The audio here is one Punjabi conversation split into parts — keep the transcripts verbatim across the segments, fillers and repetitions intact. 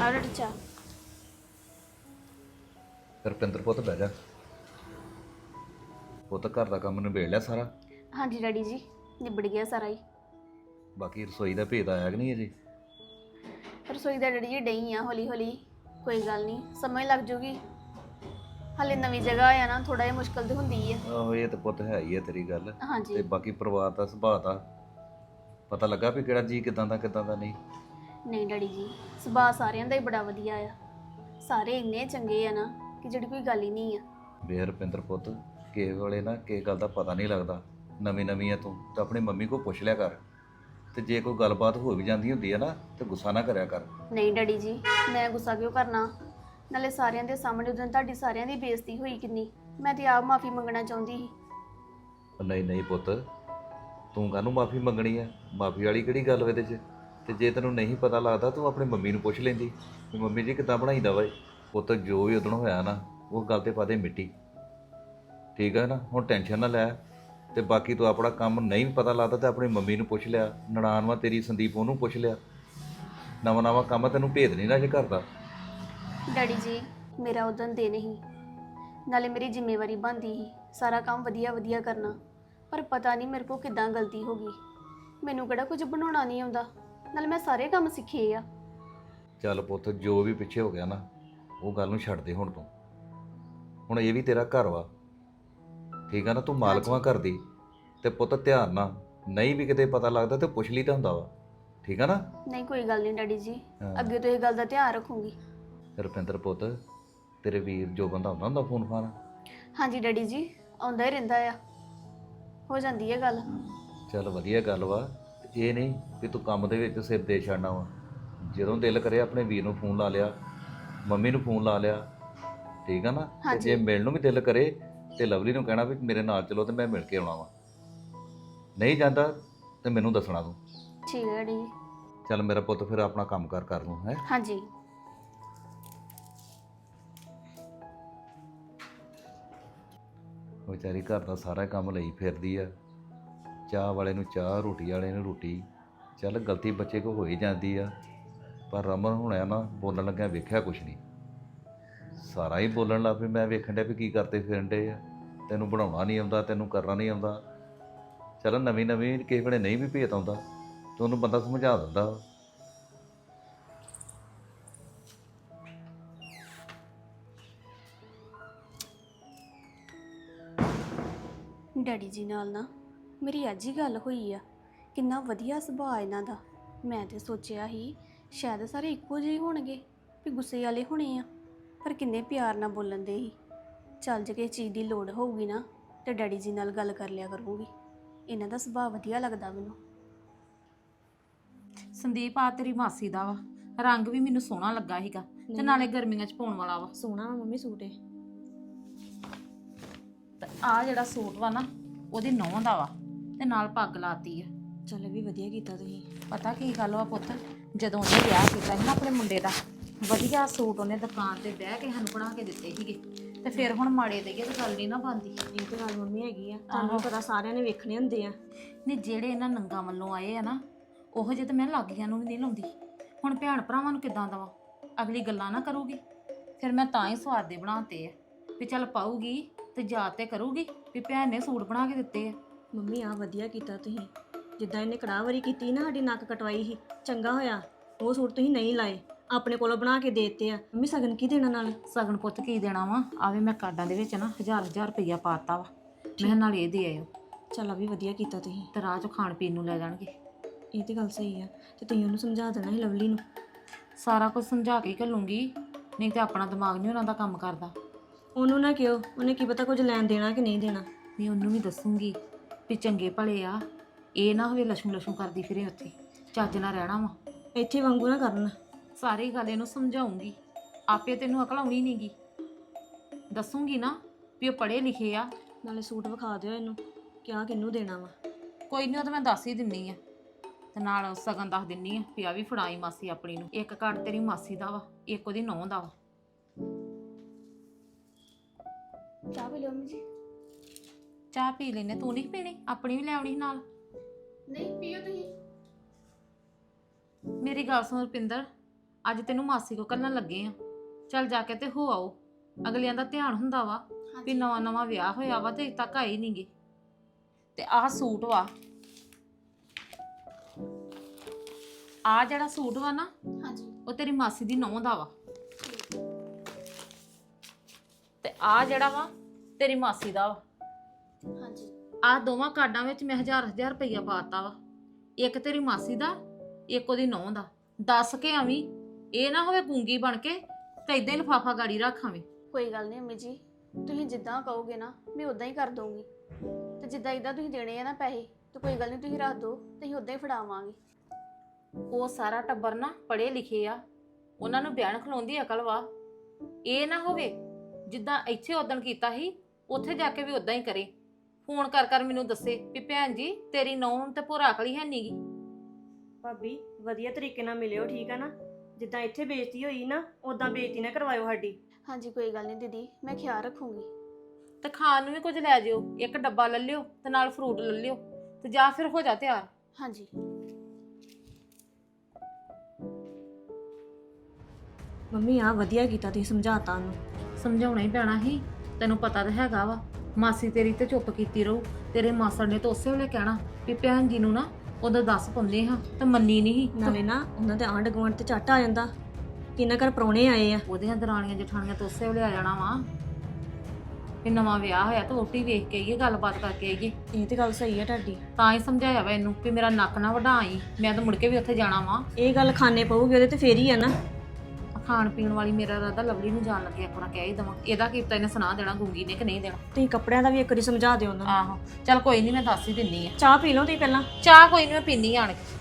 ਆਰਡਰ ਚਾ। ਰੁਪਿੰਦਰ ਪੁੱਤ ਬਹਿ ਜਾ। ਪੁੱਤ ਘਰ ਦਾ ਕੰਮ ਨਿਬੇੜ ਲਿਆ ਸਾਰਾ? ਹਾਂਜੀ ਡੈਡੀ ਜੀ, ਨਿਬੜ ਗਿਆ ਸਾਰਾ ਹੀ। ਬਾਕੀ ਰਸੋਈ ਦਾ ਭੇਦ ਆਇਆ ਕਿ ਨਹੀਂ ਅਜੇ? ਰਸੋਈ ਦਾ ਡੈਡੀ ਜੀ ਡਈ ਆ ਹੌਲੀ ਹੌਲੀ, ਕੋਈ ਗੱਲ ਨਹੀਂ, ਸਮਝ ਲੱਗ ਜੂਗੀ। ਹਾਲੇ ਨਵੀਂ ਜਗ੍ਹਾ ਆ ਨਾ, ਥੋੜਾ ਜਿਹਾ ਮੁਸ਼ਕਲ ਤੇ ਹੁੰਦੀ ਹੈ। ਆਹੋ ਇਹ ਤਾਂ ਪੁੱਤ ਹੈ ਹੀ ਹੈ ਤੇਰੀ ਗੱਲ। ਹਾਂਜੀ ਤੇ ਬਾਕੀ ਪਰਿਵਾਰ ਦਾ ਸੁਭਾਅ ਦਾ ਪਤਾ ਲੱਗਾ ਵੀ ਕਿਹੜਾ ਜੀ ਕਿਦਾਂ ਦਾ ਕਿਦਾਂ ਦਾ ਨਹੀਂ? ਨਹੀਂ ਡੈਡੀ ਜੀ, ਸੁਭਾਅ ਸਾਰਿਆਂ ਦਾ ਹੀ ਬੜਾ ਵਧੀਆ ਆ। ਸਾਰੇ ਇੰਨੇ ਚੰਗੇ ਆ ਨਾ ਕਿ ਜਿਹੜੀ ਕੋਈ ਗੱਲ ਹੀ ਨਹੀਂ ਆ। ਵੇ ਰੁਪਿੰਦਰ ਪੁੱਤ, ਕਿਸੇ ਵੇਲੇ ਨਾ ਕਿਸੇ ਗੱਲ ਦਾ ਪਤਾ ਨਹੀਂ ਲੱਗਦਾ। ਨਵੀਂ ਨਵੀਂ ਆ ਤੂੰ ਤਾਂ ਆਪਣੀ ਮੰਮੀ ਕੋਲ ਪੁੱਛ ਲਿਆ ਕਰ, ਤੇ ਜੇ ਕੋਈ ਗੱਲਬਾਤ ਹੋ ਵੀ ਜਾਂਦੀ ਹੁੰਦੀ ਹੈ ਨਾ ਤੇ ਗੁੱਸਾ ਨਾ ਕਰਿਆ ਕਰ। ਨਹੀਂ ਡੈਡੀ ਜੀ, ਮੈਂ ਗੁੱਸਾ ਕਿਉਂ ਕਰਨਾ? ਨਾਲੇ ਸਾਰਿਆਂ ਦੇ ਸਾਹਮਣੇ ਉਦੋਂ ਤੁਹਾਡੀ ਸਾਰਿਆਂ ਦੀ ਬੇਇੱਜ਼ਤੀ ਹੋਈ ਕਿੰਨੀ, ਮੈਂ ਤੇ ਆਪ ਮਾਫੀ ਮੰਗਣਾ ਚਾਹੁੰਦੀ ਸੀ। ਨਹੀਂ ਨਹੀਂ ਪੁੱਤ, ਤੂੰ ਕਾਹਨੂੰ ਮਾਫੀ ਮੰਗਣੀ ਆ? ਮਾਫੀ ਵਾਲੀ ਕਿਹੜੀ ਗੱਲ ਇਹਦੇ 'ਚ? ਤੇ ਜੇ ਤੈਨੂੰ ਨਹੀਂ ਪਤਾ ਲੱਗਦਾ ਤੂੰ ਆਪਣੀ ਮੰਮੀ ਨੂੰ ਪੁੱਛ ਲੈਂਦੀ ਵੀ ਮੰਮੀ ਜੀ ਕਿੱਦਾਂ ਬਣਾਈਦਾ ਵਾ ਇਹ। ਪੁੱਤ ਜੋ ਵੀ ਉਦੋਂ ਹੋਇਆ ਨਾ ਉਹ ਗੱਲ ਤੇ ਪਾ ਦੇ ਮਿੱਟੀ, ਠੀਕ ਹੈ ਨਾ? ਹੁਣ ਟੈਨਸ਼ਨ ਨਾ ਲੈ। ਤੇ ਬਾਕੀ ਤੂੰ ਆਪਣਾ ਕੰਮ ਨਹੀਂ ਪਤਾ ਲੱਗਦਾ ਤੇ ਆਪਣੀ ਮੰਮੀ ਨੂੰ ਪੁੱਛ ਲਿਆ, ਨਨਾਣ ਵਾ ਤੇਰੀ ਸੰਦੀਪ ਉਹਨੂੰ ਪੁੱਛ ਲਿਆ। ਨਵਾਂ ਨਵਾਂ ਕੰਮ ਤੈਨੂੰ ਭੇਦ ਨਹੀਂ ਨਾ ਜੇ ਕਰਦਾ। ਡੈਡੀ ਜੀ, ਮੇਰਾ ਉਦੋਂ ਦੇ ਨਹੀਂ, ਨਾਲੇ ਮੇਰੀ ਜ਼ਿੰਮੇਵਾਰੀ ਬਣਦੀ ਸੀ ਸਾਰਾ ਕੰਮ ਵਧੀਆ ਵਧੀਆ ਕਰਨਾ। ਪਰ ਪਤਾ ਨਹੀਂ ਮੇਰੇ ਕੋਲ ਕਿੱਦਾਂ ਗਲਤੀ ਹੋ ਗਈ। ਮੈਨੂੰ ਕਿਹੜਾ ਕੁਝ ਬਣਾਉਣਾ ਨਹੀਂ ਆਉਂਦਾ, ਨਾਲੇ ਮੈਂ ਸਾਰੇ ਕੰਮ ਸਿੱਖੇ ਆ। ਚੱਲ ਪੁੱਤ, ਜੋ ਵੀ ਪਿੱਛੇ ਹੋ ਗਿਆ ਨਾ ਉਹ ਗੱਲ ਨੂੰ ਛੱਡ ਦੇ ਹੁਣ ਤੂੰ। ਹੁਣ ਇਹ ਵੀ ਤੇਰਾ ਘਰ ਵਾ, ਠੀਕ ਆ ਨਾ? ਤੂੰ ਮਾਲਕ ਵਾਂ ਘਰ ਦੀ। ਤੇ ਪੁੱਤ ਧਿਆਨ ਨਾਲ, ਨਹੀਂ ਵੀ ਕਿਤੇ ਪਤਾ ਲੱਗਦਾ ਤੇ ਪੁੱਛ ਲਈ ਤਾਂ ਹੁੰਦਾ ਵਾ, ਠੀਕ ਆ ਨਾ? ਨਹੀਂ ਕੋਈ ਗੱਲ ਨਹੀਂ ਡੈਡੀ ਜੀ, ਹਾਂ। ਅੱਗੇ ਤੋਂ ਇਹ ਗੱਲ ਦਾ ਧਿਆਨ ਰੱਖੂੰਗੀ। ਰੁਪਿੰਦਰ ਪੁੱਤ, ਤੇਰੇ ਵੀਰ ਜੋ ਬੰਦਾ ਹੁੰਦਾ ਹੁੰਦਾ ਫੋਨ ਫਾਨ? ਹਾਂਜੀ ਡੈਡੀ ਜੀ, ਆਉਂਦਾ ਹੀ ਰਹਿੰਦਾ ਆ, ਹੋ ਜਾਂਦੀ ਹੈ ਗੱਲ। ਚੱਲ ਵਧੀਆ ਗੱਲ ਵਾ। ਇਹ ਨਹੀਂ ਵੀ ਤੂੰ ਕੰਮ ਦੇ ਵਿੱਚ ਸਿਰ ਦੇ ਛੱਡਣਾ ਵਾ। ਜਦੋਂ ਦਿਲ ਕਰੇ ਆਪਣੇ ਵੀਰ ਨੂੰ ਫੋਨ ਲਾ ਲਿਆ, ਮੰਮੀ ਨੂੰ ਫੋਨ ਲਾ ਲਿਆ, ਠੀਕ ਆ ਨਾ? ਤੇ ਜੇ ਮਿਲਣ ਨੂੰ ਵੀ ਦਿਲ ਕਰੇ ਤੇ ਲਵਲੀ ਨੂੰ ਕਹਿਣਾ ਵੀ ਮੇਰੇ ਨਾਲ ਚਲੋ ਤੇ ਮੈਂ ਮਿਲ ਕੇ ਆਉਣਾ ਵਾ। ਨਹੀਂ ਜਾਂਦਾ ਤੇ ਮੈਨੂੰ ਦੱਸਣਾ ਤੂੰ। ਠੀਕ ਹੈ ਡੈਡੀ ਜੀ। ਚੱਲ ਮੇਰਾ ਪੁੱਤ, ਫਿਰ ਆਪਣਾ ਕੰਮ ਕਾਰ ਕਰ ਲੂੰ ਹੈ। ਹਾਂਜੀ ਵਿਚਾਰੀ ਘਰ ਦਾ ਸਾਰਾ ਕੰਮ ਲਈ ਫਿਰਦੀ ਆ। ਚਾਹ ਵਾਲੇ ਨੂੰ ਚਾਹ, ਰੋਟੀ ਵਾਲੇ ਨੂੰ ਰੋਟੀ। ਚੱਲ ਗਲਤੀ ਬੱਚੇ ਕੋ ਹੋ ਹੀ ਜਾਂਦੀ ਆ, ਪਰ ਰਮਨ ਹੁਣਿਆ ਨਾ ਬੋਲਣ ਲੱਗਿਆ ਵੇਖਿਆ ਕੁਛ ਨਹੀਂ, ਸਾਰਾ ਹੀ ਬੋਲਣ ਲੱਗ ਪਈ। ਮੈਂ ਵੇਖਣ ਡਿਆ ਵੀ ਕੀ ਕਰਦੇ ਫਿਰਨ ਡੇ ਆ, ਤੈਨੂੰ ਬਣਾਉਣਾ ਨਹੀਂ ਆਉਂਦਾ, ਤੈਨੂੰ ਕਰਨਾ ਨਹੀਂ ਆਉਂਦਾ। ਚੱਲ ਨਵੀਂ ਨਵੀਂ ਕਿਸੇ ਵੇਲੇ ਨਹੀਂ ਵੀ ਭੇਤ ਆਉਂਦਾ ਤੇ ਉਹਨੂੰ ਬੰਦਾ ਸਮਝਾ ਦਿੰਦਾ। ਡੈਡੀ ਜੀ ਨਾਲ ਨਾ ਮੇਰੀ ਅੱਜ ਹੀ ਗੱਲ ਹੋਈ ਆ। ਕਿੰਨਾ ਵਧੀਆ ਸੁਭਾਅ ਇਹਨਾਂ ਦਾ। ਮੈਂ ਤੇ ਸੋਚਿਆ ਸੀ ਸ਼ਾਇਦ ਸਾਰੇ ਇੱਕੋ ਜਿਹੇ ਹੋਣਗੇ, ਵੀ ਗੁੱਸੇ ਵਾਲੇ ਹੋਣੇ ਆ, ਪਰ ਕਿੰਨੇ ਪਿਆਰ ਨਾਲ ਬੋਲਣ ਦੇ ਸੀ। ਚੱਲ ਜੇ ਕਿਸੇ ਚੀਜ਼ ਦੀ ਲੋੜ ਹੋਊਗੀ ਨਾ ਤੇ ਡੈਡੀ ਜੀ ਨਾਲ ਗੱਲ ਕਰ ਲਿਆ ਕਰੂੰਗੀ। ਇਹਨਾਂ ਦਾ ਸੁਭਾਅ ਵਧੀਆ ਲੱਗਦਾ ਮੈਨੂੰ। ਸੰਦੀਪ ਆ ਤੇਰੀ ਮਾਸੀ ਦਾ ਵਾ, ਰੰਗ ਵੀ ਮੈਨੂੰ ਸੋਹਣਾ ਲੱਗਾ ਸੀਗਾ ਤੇ ਨਾਲੇ ਗਰਮੀਆਂ 'ਚ ਪਾਉਣ ਵਾਲਾ ਵਾ। ਸੋਹਣਾ ਵਾ ਮੰਮੀ ਸੂਟ ਇਹ। ਤੇ ਆ ਜਿਹੜਾ ਸੂਟ ਵਾ ਨਾ ਉਹਦੀ ਨੌਂ ਦਾ ਵਾ ਤੇ ਨਾਲ ਪੱਗ ਲਾਤੀ ਆ। ਚੱਲ ਵੀ ਵਧੀਆ ਕੀਤਾ ਤੁਸੀਂ। ਪਤਾ ਕੀ ਗੱਲ ਵਾ ਪੁੱਤ, ਜਦੋਂ ਉਹਨੇ ਵਿਆਹ ਕੀਤਾ ਸੀ ਨਾ ਆਪਣੇ ਮੁੰਡੇ ਦਾ, ਵਧੀਆ ਸੂਟ ਉਹਨੇ ਦੁਕਾਨ ਤੇ ਬਹਿ ਕੇ ਸਾਨੂੰ ਬਣਾ ਕੇ ਦਿੱਤੇ ਸੀਗੇ, ਤੇ ਫਿਰ ਹੁਣ ਮਾੜੇ ਦੇਈਏ ਤੇ ਗੱਲ ਨਹੀਂ ਨਾ ਬਣਦੀ। ਇਹ ਤਾਂ ਗੱਲ ਮੰਮੀ ਹੈਗੀ ਆ, ਤੁਹਾਨੂੰ ਪਤਾ ਸਾਰਿਆਂ ਨੇ ਵੇਖਣੇ ਹੁੰਦੇ ਆ। ਨਹੀਂ ਜਿਹੜੇ ਇਹਨਾਂ ਨੰਗਾ ਵੱਲੋਂ ਆਏ ਆ ਨਾ, ਉਹੋ ਜਿਹੇ ਤਾਂ ਮੈਂ ਲਾਗੀਆਂ ਨੂੰ ਵੀ ਨਹੀਂ ਲਾਉਂਦੀ। ਹੁਣ ਭੈਣ ਭਰਾਵਾਂ ਨੂੰ ਕਿੱਦਾਂ ਦਵਾਂ? ਅਗਲੀ ਗੱਲਾਂ ਨਾ ਕਰੂਗੀ। ਫਿਰ ਮੈਂ ਤਾਂ ਹੀ ਸਵਾਦ ਦੇ ਬਣਾਤੇ ਆ ਵੀ ਚੱਲ ਪਾਊਗੀ ਤੇ ਯਾਦ ਤੇ ਕਰੂਗੀ ਵੀ ਭੈਣ ਨੇ ਸੂਟ ਬਣਾ ਕੇ ਦਿੱਤੇ ਆ। ਮੰਮੀ ਆ ਵਧੀਆ ਕੀਤਾ ਤੁਸੀਂ। ਜਿੱਦਾਂ ਇਹਨੇ ਕੜਾਹਵਾਰੀ ਕੀਤੀ ਨਾ, ਸਾਡੀ ਨੱਕ ਕਟਵਾਈ ਸੀ, ਚੰਗਾ ਹੋਇਆ ਉਹ ਸੂਟ ਤੁਸੀਂ ਨਹੀਂ ਲਾਏ, ਆਪਣੇ ਕੋਲੋਂ ਬਣਾ ਕੇ ਦੇ ਦਿੱਤੇ ਆ। ਮੰਮੀ ਸਗਨ ਕੀ ਦੇਣਾ ਨਾਲ? ਸਗਨ ਪੁੱਤ ਕੀ ਦੇਣਾ ਵਾ? ਆਵੇ ਮੈਂ ਕਾਰਡਾਂ ਦੇ ਵਿੱਚ ਨਾ ਹਜ਼ਾਰ ਹਜ਼ਾਰ ਰੁਪਈਆ ਪਾਤਾ ਵਾ, ਮੈਂ ਨਾਲ ਇਹ ਦੇ ਆਇਓ। ਚੱਲ ਆ ਵੀ ਵਧੀਆ ਕੀਤਾ ਤੁਸੀਂ। ਤੇ ਰਾਹ 'ਚ ਖਾਣ ਪੀਣ ਨੂੰ ਲੈ ਜਾਣਗੇ। ਇਹ ਤੇ ਗੱਲ ਸਹੀ ਆ। ਤੇ ਤੁਸੀਂ ਉਹਨੂੰ ਸਮਝਾ ਦੇਣਾ ਸੀ ਲਵਲੀ ਨੂੰ। ਸਾਰਾ ਕੁਝ ਸਮਝਾ ਕੇ ਘੱਲੂੰਗੀ, ਨਹੀਂ ਤੇ ਆਪਣਾ ਦਿਮਾਗ ਨਹੀਂ ਉਹਨਾਂ ਦਾ ਕੰਮ ਕਰਦਾ। ਉਹਨੂੰ ਨਾ ਕਿਉਂ, ਉਹਨੇ ਕੀ ਪਤਾ ਕੁਝ ਲੈਣ ਦੇਣਾ ਕਿ ਨਹੀਂ ਦੇਣਾ। ਨਹੀਂ ਉਹਨੂੰ ਵੀ ਦੱਸੂਗੀ ਵੀ ਚੰਗੇ ਭਲੇ ਆ, ਇਹ ਨਾ ਹੋਵੇ ਲਛੂ ਲਛੂ ਕਰਦੀ ਫਿਰੇ ਉੱਥੇ, ਚੱਜ ਨਾਲ ਰਹਿਣਾ ਵਾ। ਇੱਥੇ ਵਾਂਗੂ ਨਾ ਕਰਨ। ਸਾਰੀ ਗੱਲ ਇਹਨੂੰ ਸਮਝਾਉਂਗੀ, ਆਪੇ ਤੈਨੂੰ ਅਕਲ ਆਉਣੀ ਨਹੀਂਗੀ। ਦੱਸੂਗੀ ਨਾ ਵੀ ਉਹ ਪੜ੍ਹੇ ਲਿਖੇ ਆ। ਨਾਲੇ ਸੂਟ ਵਿਖਾ ਦਿਓ ਇਹਨੂੰ, ਕਿਆ ਕਿਹਨੂੰ ਦੇਣਾ ਵਾ। ਕੋਈ ਨਹੀਂ ਉਹ ਤਾਂ ਮੈਂ ਦੱਸ ਹੀ ਦਿੰਨੀ ਆ, ਤੇ ਨਾਲ ਸਗਨ ਦੱਸ ਦਿੰਨੀ ਆ ਵੀ ਆ ਵੀ ਫੜਾਈ ਮਾਸੀ ਆਪਣੀ ਨੂੰ। ਇੱਕ ਕਾਰਡ ਤੇਰੀ ਮਾਸੀ ਦਾ ਵਾ, ਇੱਕ ਉਹਦੀ ਨੌਂ ਦਾ ਵਾ। ਚਾਹ ਪੀ ਲਓ ਮੰਮੀ ਜੀ। ਚਾਹ ਪੀ ਲੈਨੇ, ਤੂੰ ਨਹੀਂ ਪੀਣੀ? ਆਪਣੀ ਵੀ ਲੈ ਆਉਣੀ ਨਾਲ। ਨਹੀਂ ਪੀਓ ਤੁਸੀਂ। ਮੇਰੀ ਗੱਲ ਸੁਣ ਰੁਪਿੰਦਰ, ਅੱਜ ਤੈਨੂੰ ਮਾਸੀ ਕੋ ਕੱਲਣ ਲੱਗੇ ਆ। ਚੱਲ ਜਾ ਕੇ ਤੇ ਹੋ ਆਓ। ਅਗਲਿਆਂ ਦਾ ਧਿਆਨ ਹੁੰਦਾ ਵਾ ਵੀ ਨਵਾਂ ਨਵਾਂ ਵਿਆਹ ਹੋਇਆ ਵਾ ਤੇ ਅਜੇ ਤੱਕ ਆਏ ਨਹੀਂਗੇ। ਤੇ ਆਹ ਸੂਟ ਵਾ, ਆਹ ਜਿਹੜਾ ਸੂਟ ਵਾ ਨਾ ਹਾਂਜੀ ਉਹ ਤੇਰੀ ਮਾਸੀ ਦੀ ਨੌਂ ਦਾ ਵਾ, ਤੇ ਆਹ ਜਿਹੜਾ ਵਾ ਤੇਰੀ ਮਾਸੀ ਦਾ ਵਾ। ਹਾਂਜੀ ਆਹ ਦੋਵਾਂ ਕਾਰਡਾਂ ਵਿੱਚ ਮੈਂ ਹਜ਼ਾਰ ਹਜ਼ਾਰ ਰੁਪਈਆ ਪਾਤਾ ਵਾ। ਇੱਕ ਤੇਰੀ ਮਾਸੀ ਦਾ, ਇੱਕ ਉਹਦੀ ਨੌਂ ਦਾ। ਦੱਸ ਕੇ ਆਵੀਂ, ਇਹ ਨਾ ਹੋਵੇ ਗੂੰਗੀ ਬਣ ਕੇ ਤੇ ਇਦਾਂ ਹੀ ਲਿਫਾਫਾ ਗਾੜੀ ਰੱਖਾਵੇਂ। ਕੋਈ ਗੱਲ ਨਹੀਂ ਅੰਮੀ ਜੀ, ਤੁਸੀਂ ਜਿੱਦਾਂ ਕਹੋਗੇ ਨਾ ਮੈਂ ਉਦਾਂ ਹੀ ਕਰ ਦਊਂਗੀ। ਤੇ ਜਿੱਦਾਂ ਇਦਾਂ ਤੁਸੀਂ ਦੇਣੇ ਆ ਨਾ ਪੈਸੇ, ਤੇ ਕੋਈ ਗੱਲ ਨਹੀਂ ਤੁਸੀਂ ਰੱਖ ਦਿਓ ਤੇ ਅਸੀਂ ਉਦਾਂ ਹੀ ਫੜਾਵਾਂਗੇ। ਉਹ ਸਾਰਾ ਟੱਬਰ ਨਾ ਪੜ੍ਹੇ ਲਿਖੇ ਆ, ਉਹਨਾਂ ਨੂੰ ਬਿਆਨ ਖਲਾਉਣ ਦੀ ਅਕਲ ਵਾ। ਇਹ ਨਾ ਹੋਵੇ ਜਿੱਦਾਂ ਇੱਥੇ ਉਦਣ ਕੀਤਾ ਸੀ ਉੱਥੇ ਜਾ ਕੇ ਵੀ ਉਦਾਂ ਹੀ ਕਰੇ। ਫੋਨ ਕਰ ਕਰ ਮੈਨੂੰ ਦੱਸੇ ਵੀ ਭੈਣ ਜੀ ਤੇਰੀ ਨੌਂ ਤੇ ਭੋਰਾ ਅਕਲੀ ਹੈ ਨੀਗੀ। ਭਾਬੀ ਵਧੀਆ ਤਰੀਕੇ ਨਾਲ ਮਿਲਿਓ, ਠੀਕ ਆ ਨਾ? ਜਿੱਦਾਂ ਇੱਥੇ ਬੇਇੱਜ਼ਤੀ ਹੋਈ ਨਾ ਉਦਾਂ ਬੇਇੱਜ਼ਤੀ ਨਾ ਕਰਵਾਇਓ ਸਾਡੀ। ਹਾਂਜੀ ਕੋਈ ਗੱਲ ਨਹੀਂ ਦੀਦੀ, ਮੈਂ ਖਿਆਲ ਰੱਖੂੰਗੀ। ਤੇ ਖਾਣ ਨੂੰ ਵੀ ਕੁਝ ਲੈ ਜਿਓ, ਇੱਕ ਡੱਬਾ ਲੈ ਲਿਓ ਤੇ ਨਾਲ ਫਰੂਟ ਲੈ ਲਿਓ, ਤੇ ਜਾਂ ਫਿਰ ਹੋ ਜਾ ਤਿਆਰ। ਹਾਂਜੀ ਮੰਮੀ ਆ ਵਧੀਆ ਕੀਤਾ ਤੁਸੀਂ ਸਮਝਾਤਾ ਉਹਨੂੰ। ਸਮਝਾਉਣਾ ਹੀ ਪੈਣਾ ਸੀ, ਤੈਨੂੰ ਪਤਾ ਤਾਂ ਹੈਗਾ ਵਾ ਮਾਸੀ ਤੇਰੀ ਤੇ ਚੁੱਪ ਕੀਤੀ ਰਹੂ। ਤੇਰੇ ਮਾਸੜ ਨੇ ਤਾਂ ਉਸੇ ਵੇਲੇ ਕਹਿਣਾ ਵੀ ਭੈਣ ਜੀ ਨੂੰ ਨਾ ਉਹਦਾ ਦੱਸ ਪਾਉਂਦੇ ਹਾਂ, ਤੇ ਮੰਨੀ ਨਹੀਂ। ਨਾਲੇ ਨਾ ਉਹਨਾਂ ਦੇ ਆਂਢ ਗੁਆਂਢ ਤੇ ਝੱਟ ਆ ਜਾਂਦਾ ਕਿ ਇਹਨਾਂ ਘਰ ਪ੍ਰਾਹੁਣੇ ਆਏ ਆ। ਉਹਦੀਆਂ ਦਰਾਣੀਆਂ ਜਠਾਣੀਆਂ ਤੋਂ ਉਸੇ ਵੇਲੇ ਆ ਜਾਣਾ ਵਾ ਵੀ ਨਵਾਂ ਵਿਆਹ ਹੋਇਆ ਤਾਂ ਵੋਟੀ ਵੇਖ ਕੇ ਆਈਏ, ਗੱਲਬਾਤ ਕਰਕੇ ਆਈਏ। ਇਹ ਤੇ ਗੱਲ ਸਹੀ ਆ ਤੁਹਾਡੀ। ਤਾਂ ਹੀ ਸਮਝਾਇਆ ਵਾ ਇਹਨੂੰ ਵੀ ਮੇਰਾ ਨੱਕ ਨਾ ਵਢਾਈ, ਮੈਂ ਤਾਂ ਮੁੜ ਕੇ ਵੀ ਉੱਥੇ ਜਾਣਾ ਵਾ। ਇਹ ਗੱਲ ਖਾਣੇ ਪਊਗੀ ਉਹਦੇ ਤੇ ਫੇਰ ਹੀ ਆ ਨਾ। ਖਾਣ ਪੀਣ ਵਾਲੀ ਮੇਰਾ ਰਾਦਾ ਲਵਲੀ ਨੂੰ ਜਾਣ ਲੱਗੇ ਆਪਣਾ ਕਹਿ ਹੀ ਦਵਾਂ। ਇਹਦਾ ਕੀ ਪਤਾ ਇਹਨੇ ਸੁਣਾ ਦੇਣਾ ਗੂੰਗੀ ਨੇ ਕਿ ਨਹੀਂ ਦੇਣਾ। ਤੁਸੀਂ ਕੱਪੜਿਆਂ ਦਾ ਵੀ ਇੱਕ ਵਾਰੀ ਸਮਝਾ ਦਿਓ ਉਹਨਾਂ ਨੂੰ। ਆਹੋ ਚੱਲ ਕੋਈ ਨਹੀਂ, ਮੈਂ ਦੱਸ ਹੀ ਦਿੰਨੀ ਆ। ਚਾਹ ਪੀ ਲਓ ਤੁਸੀਂ ਪਹਿਲਾਂ। ਚਾਹ ਕੋਈ ਨਹੀਂ, ਮੈਂ ਪੀਨੀ ਆਣ ਕੇ।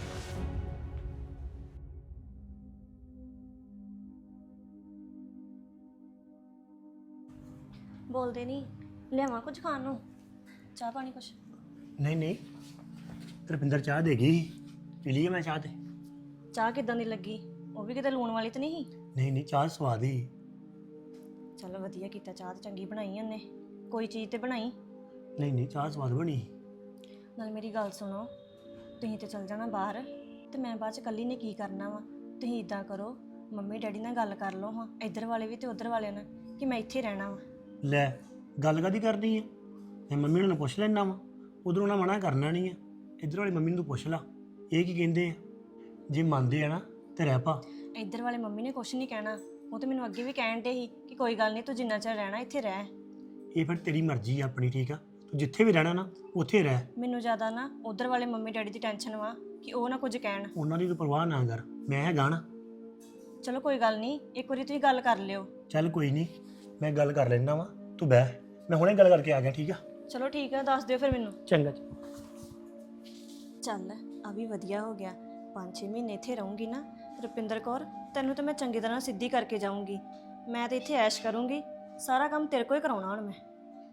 ਬੋਲਦੇ ਨਹੀਂ, ਲਿਆਵਾਂ ਕੁਝ ਖਾਣ ਨੂੰ? ਚਾਹ ਪਾਣੀ ਕੁਛ? ਨਹੀਂ ਨਹੀਂ, ਰੁਪਿੰਦਰ ਚਾਹ ਦੇ ਗਈ, ਪੀ ਲਈ ਮੈਂ ਚਾਹ ਤੇ। ਚਾਹ ਕਿਦਾਂ ਦੀ ਲੱਗੀ? ਉਹ ਵੀ ਕਿਤੇ ਲੂਣ ਵਾਲੀ ਤਾਂ ਨਹੀਂ ਸੀ? ਨਹੀਂ ਨਹੀਂ, ਚਾਹ ਸਵਾਦ ਹੀ। ਚਲੋ ਵਧੀਆ ਕੀਤਾ, ਚਾਹ ਤਾਂ ਚੰਗੀ ਬਣਾਈ ਉਹਨੇ। ਕੋਈ ਚੀਜ਼ ਤੇ ਬਣਾਈ। ਨਹੀਂ ਨਹੀਂ, ਚਾਹ ਸਵਾਦ ਬਣੀ। ਨਾਲ ਮੇਰੀ ਗੱਲ ਸੁਣੋ, ਤੁਸੀਂ ਤੇ ਚਲ ਜਾਣਾ ਬਾਹਰ ਤੇ ਮੈਂ ਬਾਅਦ ਚ ਇਕੱਲੀ ਨੇ ਕੀ ਕਰਨਾ ਵਾ। ਤੁਸੀਂ ਇਦਾਂ ਕਰੋ, ਮੰਮੀ ਡੈਡੀ ਨਾਲ ਗੱਲ ਕਰ ਲਓ ਹਾਂ, ਇੱਧਰ ਵਾਲੇ ਵੀ ਤੇ ਉੱਧਰ ਵਾਲਿਆਂ ਨਾਲ, ਕਿ ਮੈਂ ਇੱਥੇ ਰਹਿਣਾ ਵਾ। ਲੈ ਗੱਲ ਕਾਦੀ ਕਰਨੀ ਆ? ਮੈਂ ਮੰਮੀ ਨੂੰ ਪੁੱਛ ਲੈਣਾ ਵਾ, ਉਧਰੋਂ ਨਾ ਮਨਾ ਕਰਨਾ ਨਹੀਂ ਆ। ਇੱਧਰ ਵਾਲੀ ਮੰਮੀ ਨੂੰ ਤੂੰ ਪੁੱਛ ਲਾ ਇਹ ਕੀ ਕਹਿੰਦੇ ਆ। ਜੇ ਮੰਨਦੇ ਆ ਨਾ ਤੇ ਰਹਿ ਪਾ। ਇੱਧਰ ਵਾਲੇ ਮੰਮੀ ਨੇ ਕੁਛ ਨਹੀਂ ਕਹਿਣਾ। ਉਹ ਤੇ ਮੈਨੂੰ ਅੱਗੇ ਵੀ ਕਹਿਣ ਦੇ ਸੀ ਕਿ ਕੋਈ ਗੱਲ ਨਹੀਂ, ਤੂੰ ਜਿੰਨਾ ਚਿਰ ਰਹਿਣਾ ਇੱਥੇ ਰਹਿ। ਇਹ ਫਿਰ ਤੇਰੀ ਮਰਜ਼ੀ ਆ ਆਪਣੀ, ਠੀਕ ਆ? ਤੂੰ ਜਿੱਥੇ ਵੀ ਰਹਿਣਾ ਨਾ ਉੱਥੇ ਰਹਿ। ਮੈਨੂੰ ਜ਼ਿਆਦਾ ਨਾ ਉੱਧਰ ਵਾਲੇ ਮੰਮੀ ਡੈਡੀ ਦੀ ਟੈਨਸ਼ਨ ਵਾ ਕਿ ਉਹ ਨਾ ਕੁਝ ਕਹਿਣ। ਉਹਨਾਂ ਦੀ ਤੂੰ ਪਰਵਾਹ ਨਾ ਕਰ, ਮੈਂ ਹੈਗਾ ਨਾ। ਚਲੋ ਕੋਈ ਗੱਲ ਨਹੀਂ, ਇੱਕ ਵਾਰੀ ਤੁਸੀਂ ਗੱਲ ਕਰ ਲਿਓ। ਚੱਲ ਕੋਈ ਨਹੀਂ, ਮੈਂ ਗੱਲ ਕਰ ਲੈਣਾ ਵਾ, ਤੂੰ ਬਹਿ, ਮੈਂ ਹੁਣੇ ਗੱਲ ਕਰਕੇ ਆ ਗਿਆ, ਠੀਕ ਆ? ਚਲੋ ਠੀਕ ਆ, ਦੱਸ ਦਿਓ ਫਿਰ ਮੈਨੂੰ। ਚੰਗਾ। ਚੱਲ ਆ ਵੀ ਵਧੀਆ ਹੋ ਗਿਆ। ਪੰਜ ਛੇ ਮਹੀਨੇ ਇੱਥੇ ਰਹੂੰਗੀ ਨਾ ਰੁਪਿੰਦਰ ਕੌਰ, ਤੈਨੂੰ ਤਾਂ ਮੈਂ ਚੰਗੀ ਤਰ੍ਹਾਂ ਸਿੱਧੀ ਕਰਕੇ ਜਾਊਂਗੀ। ਮੈਂ ਤਾਂ ਇੱਥੇ ਐਸ਼ ਕਰੂੰਗੀ, ਸਾਰਾ ਕੰਮ ਤੇਰੇ ਕੋਲ ਹੀ ਕਰਾਉਣਾ ਹੁਣ ਮੈਂ।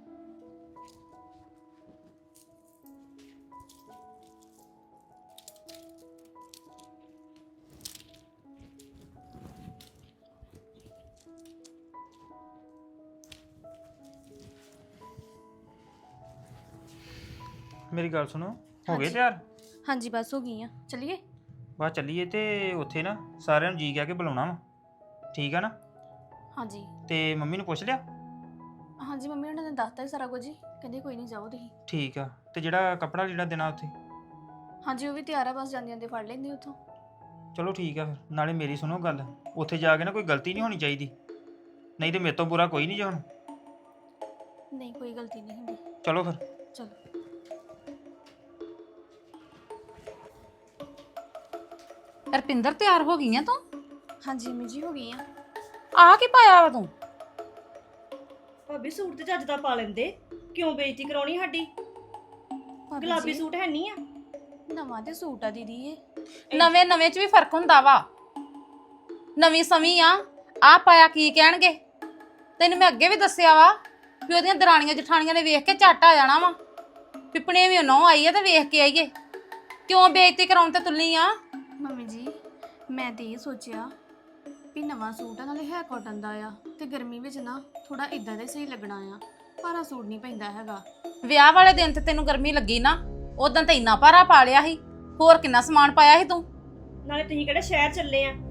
ਮੇਰੀ ਗੱਲ ਸੁਣੋ, ਹੋ ਗਏ ਤਿਆਰ? ਹਾਂਜੀ ਬਸ ਹੋ ਗਈ ਆ, ਚਲਿਏ। ਬਸ ਚੱਲੀਏ। ਤੇ ਉੱਥੇ ਨਾ ਸਾਰਿਆਂ ਨੂੰ ਜੀ ਕਹਿ ਕੇ ਬੁਲਾਉਣਾ ਵਾ, ਠੀਕ ਆ ਨਾ? ਹਾਂਜੀ ਤੇ ਮੰਮੀ ਨੂੰ ਪੁੱਛ ਲਿਆ? ਹਾਂਜੀ ਮੰਮੀ ਉਹਨਾਂ ਨੇ ਦੱਸਤਾ ਹੀ ਸਾਰਾ ਕੁਝ ਹੀ, ਕਹਿੰਦੇ ਕੋਈ ਨਹੀਂ ਜਾਓ ਤੁਸੀਂ। ਠੀਕ ਆ। ਤੇ ਜਿਹੜਾ ਕੱਪੜਾ ਜਿਹੜਾ ਦੇਣਾ ਉੱਥੇ? ਹਾਂਜੀ ਉਹ ਵੀ ਤਿਆਰ ਆ, ਬਸ ਜਾਂਦੇ ਜਾਂਦੇ ਫੜ ਲੈਂਦੇ ਉੱਥੋਂ। ਚਲੋ ਠੀਕ ਆ ਫਿਰ। ਨਾਲੇ ਮੇਰੀ ਸੁਣੋ ਗੱਲ, ਉੱਥੇ ਜਾ ਕੇ ਨਾ ਕੋਈ ਗਲਤੀ ਨਹੀਂ ਹੋਣੀ ਚਾਹੀਦੀ, ਨਹੀਂ ਤੇ ਮੇਰੇ ਤੋਂ ਬੁਰਾ ਕੋਈ ਨਹੀਂ ਜੇ ਹੁਣ। ਨਹੀਂ ਕੋਈ ਗਲਤੀ ਨਹੀਂ ਹੁੰਦੀ। ਚਲੋ ਫਿਰ। ਚਲੋ ਰਪਿੰਦਰ ਤਿਆਰ ਹੋ ਗਈ ਆ ਤੂੰ? ਹਾਂਜੀ ਮੰਮੀ ਜੀ ਹੋ ਗਈ ਆ। ਆ ਕੀ ਪਾਇਆ ਵਾ ਤੂੰ? ਭਾਬੀ ਸੂਟ ਤੇ ਚੱਜ ਦਾ ਪਾ ਲੈਂਦੇ, ਕਿਉਂ ਬੇਇੱਜ਼ਤੀ ਕਰਾਉਣੀ ਸਾਡੀ? ਭਾਬੀ ਗੁਲਾਬੀ ਜੀ, ਸੂਟ ਹੈ ਨਹੀਂ ਆ? ਨਵਾਂ ਤੇ ਸੂਟ ਆ ਦੀਦੀ ਇਹ। ਨਵੇਂ ਨਵੇਂ ਚ ਵੀ ਫਰਕ ਹੁੰਦਾ ਵਾ। ਨਵੀਂ ਸਮੀ ਆ, ਆ ਪਾਇਆ ਕੀ ਕਹਿਣਗੇ? ਤੈਨੂੰ ਮੈਂ ਅੱਗੇ ਵੀ ਦੱਸਿਆ ਵਾ ਵੀ ਉਹਦੀਆਂ ਦਰਾਣੀਆਂ ਜਠਾਣੀਆਂ ਨੇ ਵੇਖ ਕੇ ਝੱਟ ਆ ਜਾਣਾ ਵਾ। ਪਿਪਣੇ ਵੀ ਨਹੁੰ ਆਈ ਆ ਤੇ ਵੇਖ ਕੇ ਆਈਏ। ਕਿਉਂ ਬੇਇੱਜ਼ਤੀ ਕਰਾਉਣ ਤੇ ਤੁੱਲੀ ਆ? ਮੰਮੀ ਜੀ ਮੈਂ ਤੇ ਇਹ ਸੋਚਿਆ ਵੀ ਨਵਾਂ ਸੂਟ ਆ, ਨਾਲੇ ਹੈ ਕਾਟਨ ਦਾ ਆ, ਤੇ ਗਰਮੀ ਵਿੱਚ ਨਾ ਥੋੜਾ ਇਦਾਂ ਦਾ ਸਹੀ ਲੱਗਣਾ ਆ। ਭਾਰਾ ਸੂਟ ਨਹੀਂ ਪੈਂਦਾ ਹੈਗਾ। ਵਿਆਹ ਵਾਲੇ ਦਿਨ ਤੇ ਤੈਨੂੰ ਗਰਮੀ ਲੱਗੀ ਨਾ, ਉਦੋਂ ਤਾਂ ਇੰਨਾ ਭਾਰਾ ਪਾ ਲਿਆ ਸੀ। ਹੋਰ ਕਿੰਨਾ ਸਮਾਨ ਪਾਇਆ ਸੀ ਤੂੰ? ਨਾਲੇ ਤੁਸੀਂ ਕਿਹੜੇ ਸ਼ਹਿਰ ਚੱਲੇ ਆ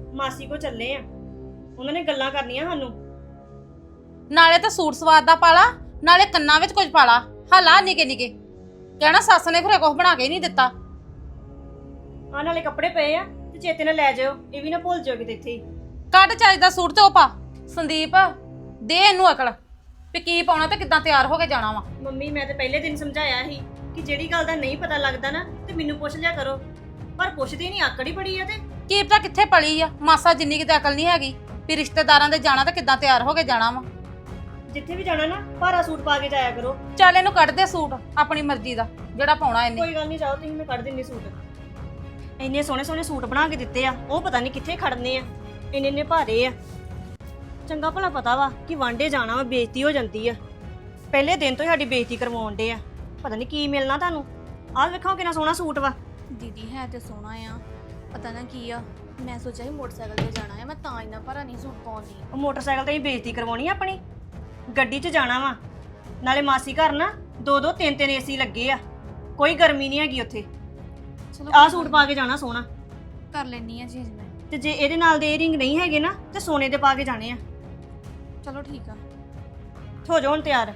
ਮਾਸੀ ਕੋ ਚੱਲੇ ਆ, ਉਹਨਾਂ ਨੇ ਗੱਲਾਂ ਕਰਨੀਆਂ ਸਾਨੂੰ। ਨਾਲੇ ਤਾਂ ਸੂਟ ਸਵਾਦ ਦਾ ਪਾਲਾ, ਨਾਲੇ ਕੰਨਾਂ ਵਿੱਚ ਕੁਝ ਪਾਲਾ, ਹਾਲਾ ਨਿਕੇ ਨਿਕੇ ਕਹਿਣਾ ਸੱਸ ਨੇ ਫਿਰ ਕੁਝ ਬਣਾ ਕੇ ਹੀ ਨਹੀਂ ਦਿੱਤਾ। ਆਹ ਨਾਲੇ ਕੱਪੜੇ ਪਏ ਆ ਤੇ ਚੇਤੇ ਨਾਲ ਲੈ ਜਾਇਓ, ਇਹ ਵੀ ਨਾ ਭੁੱਲ ਜਾਓ ਕਿਤੇ ਇੱਥੇ ਹੀ। ਕੱਢ ਚੱਜ ਦਾ ਸੂਟ ਤੇ ਉਹ ਪਾ। ਸੰਦੀਪ ਦੇ ਇਹਨੂੰ ਅਕਲ ਵੀ ਕੀ ਪਾਉਣਾ ਤੇ ਕਿੱਦਾਂ ਤਿਆਰ ਹੋ ਕੇ ਜਾਣਾ ਵਾ। ਮੰਮੀ ਮੈਂ ਤੇ ਪਹਿਲੇ ਦਿਨ ਸਮਝਾਇਆ ਸੀ ਕਿ ਜਿਹੜੀ ਗੱਲ ਦਾ ਨਹੀਂ ਪਤਾ ਲੱਗਦਾ ਨਾ ਤੇ ਮੈਨੂੰ ਪੁੱਛ ਲਿਆ ਕਰੋ, ਪਰ ਪੁੱਛਦੀ ਨਹੀਂ, ਆਕੜੀ ਬੜੀ ਆ। ਤੇ ਕੀ ਪਤਾ ਕਿੱਥੇ ਪਲੀ ਆ, ਮਾਸਾ ਜਿੰਨੀ ਕਿਤੇ ਅਕਲ ਨਹੀਂ ਹੈਗੀ ਵੀ ਰਿਸ਼ਤੇਦਾਰਾਂ ਦੇ ਜਾਣਾ ਤੇ ਕਿੱਦਾਂ ਤਿਆਰ ਹੋ ਕੇ ਜਾਣਾ ਵਾ। ਜਿੱਥੇ ਵੀ ਜਾਣਾ ਨਾ ਭਾਰਾ ਸੂਟ ਪਾ ਕੇ ਜਾਇਆ ਕਰੋ। ਚੱਲ ਇਹਨੂੰ ਕੱਢ ਦੇ ਸੂਟ ਆਪਣੀ ਮਰਜ਼ੀ ਦਾ ਜਿਹੜਾ ਪਾਉਣਾ ਇਹਨੇ। ਕੋਈ ਗੱਲ ਨਹੀਂ, ਜਾਓ ਤੁਸੀਂ, ਮੈਂ ਕੱਢ ਦਿੰਨੀ ਸੂਟ। ਇੰਨੇ ਸੋਹਣੇ ਸੋਹਣੇ ਸੂਟ ਬਣਾ ਕੇ ਦਿੱਤੇ ਆ, ਉਹ ਪਤਾ ਨਹੀਂ ਕਿੱਥੇ ਖੜਨੇ ਆ, ਇੰਨੇ ਇੰਨੇ ਭਾਰੇ ਆ। ਚੰਗਾ ਭਲਾ ਪਤਾ ਵਾ ਕਿ ਵਾਂਡੇ ਜਾਣਾ ਵਾ, ਬੇਇੱਜ਼ਤੀ ਹੋ ਜਾਂਦੀ ਆ। ਪਹਿਲੇ ਦਿਨ ਤੋਂ ਹੀ ਸਾਡੀ ਬੇਇੱਜ਼ਤੀ ਕਰਵਾਉਣ ਡੇ ਆ, ਪਤਾ ਨਹੀਂ ਕੀ ਮਿਲਣਾ ਤੁਹਾਨੂੰ। ਆਹ ਵੇਖੋ ਕਿੰਨਾ ਸੋਹਣਾ ਸੂਟ ਵਾ। ਦੀਦੀ ਹੈ ਤੇ ਸੋਹਣਾ ਆ, ਪਤਾ ਨਾ ਕੀ ਆ, ਮੈਂ ਸੋਚਿਆ ਸੀ ਮੋਟਰਸਾਈਕਲ ਤੇ ਜਾਣਾ ਆ, ਮੈਂ ਤਾਂ ਇੰਨਾ ਭਾਰਾ ਨਹੀਂ ਸੂਟ ਪਾਉਂਦੀ। ਉਹ ਮੋਟਰਸਾਈਕਲ ਤੇ ਹੀ ਬੇਇੱਜ਼ਤੀ ਕਰਵਾਉਣੀ ਆ ਆਪਣੀ, ਗੱਡੀ 'ਚ ਜਾਣਾ ਵਾ। ਨਾਲੇ ਮਾਸੀ ਘਰ ਨਾ ਦੋ ਦੋ ਤਿੰਨ ਤਿੰਨ ਏਸੀ ਲੱਗੇ ਆ, ਕੋਈ ਗਰਮੀ ਨਹੀਂ ਹੈਗੀ ਉੱਥੇ। ਚਲੋ ਆਹ ਸੂਟ ਪਾ ਕੇ ਜਾਣਾ ਸੋਹਣਾ। ਕਰ ਲੈਣੀ ਆ ਚੀਜ਼ ਮੈਂ। ਤੇ ਜੇ ਇਹਦੇ ਨਾਲ ਦੇ ਏਅਰਿੰਗ ਨਹੀਂ ਹੈਗੇ ਨਾ ਤੇ ਸੋਨੇ ਦੇ ਪਾ ਕੇ ਜਾਣੇ ਆ। ਚਲੋ ਠੀਕ ਆ। ਹੋ ਜਾਓ ਹੁਣ ਤਿਆਰ।